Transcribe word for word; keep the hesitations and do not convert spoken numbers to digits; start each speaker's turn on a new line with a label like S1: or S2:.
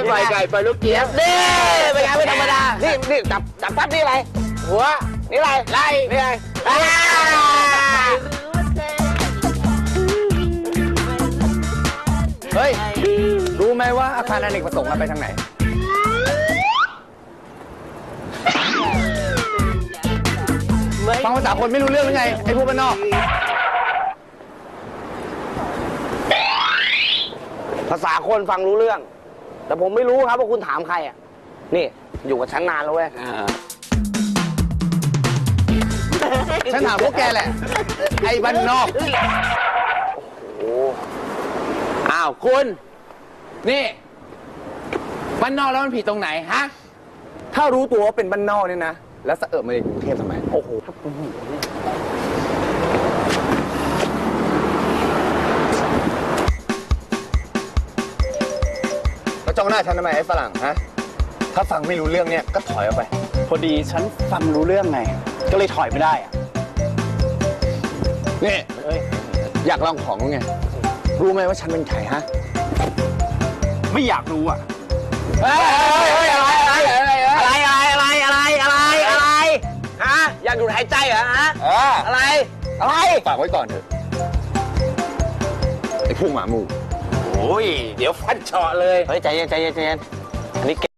S1: ปล่อยไก่ปล่อยลูกเจี๊ยบนี่เป็นไงไม่ธรรมดานี่นี่จับจับปั๊บนี่อะไรหัวนี่อะไรไล่นี่อะไร
S2: เฮ้ยรู้ไหมว่าอาคารอเนกประสงค์มันไปทางไหนฟังภาษาคนไม่รู้เรื่องหรือไงไอ้พวกบ้านนอก
S1: ภาษาคนฟังรู้เรื่องแต่ผมไม่รู้ครับว่าคุณถามใครอ่ะนี่อยู่กับฉันนานแล้วเว้ย
S2: ฉันถามพวกแกแหละไอ้บ้านนอก
S1: โอ้
S2: อ้าวคุณนี่บ้านนอกแล้วมันผิดตรงไหนฮะถ้ารู้ตัวว่าเป็นบ้านนอกเนี่ยนะแล้วสะเอิบมาในกรุงเทพทำไมโอ้โหแล้วจ้องหน้าฉันทำไมไอ้ฝรั่งฮะถ้าฟังไม่รู้เรื่องเนี่ยก็ถอยออกไป
S3: พอดีฉันฟังรู้เรื่องไงก็เลยถอยไม่ได้อะ
S2: นี่อยากลองของไงรู้ไหมว่าฉันเป็นใครฮะ
S3: ไม่อยากรู้อ่ะ
S1: เฮ้ยอะไรอะไรอะไรอะไรอะไรอะไรอะไรฮะอยากดูดหายใจเหรอฮะอะไรอะไร
S2: ฝากไว้ก่อนเถอะไอ้พวกหมาหมู่
S1: โอ้ยเดี๋ยวฟันเฉาะเลยเฮ้ยใจเย็นใจเย็นใจเย็นอันนี้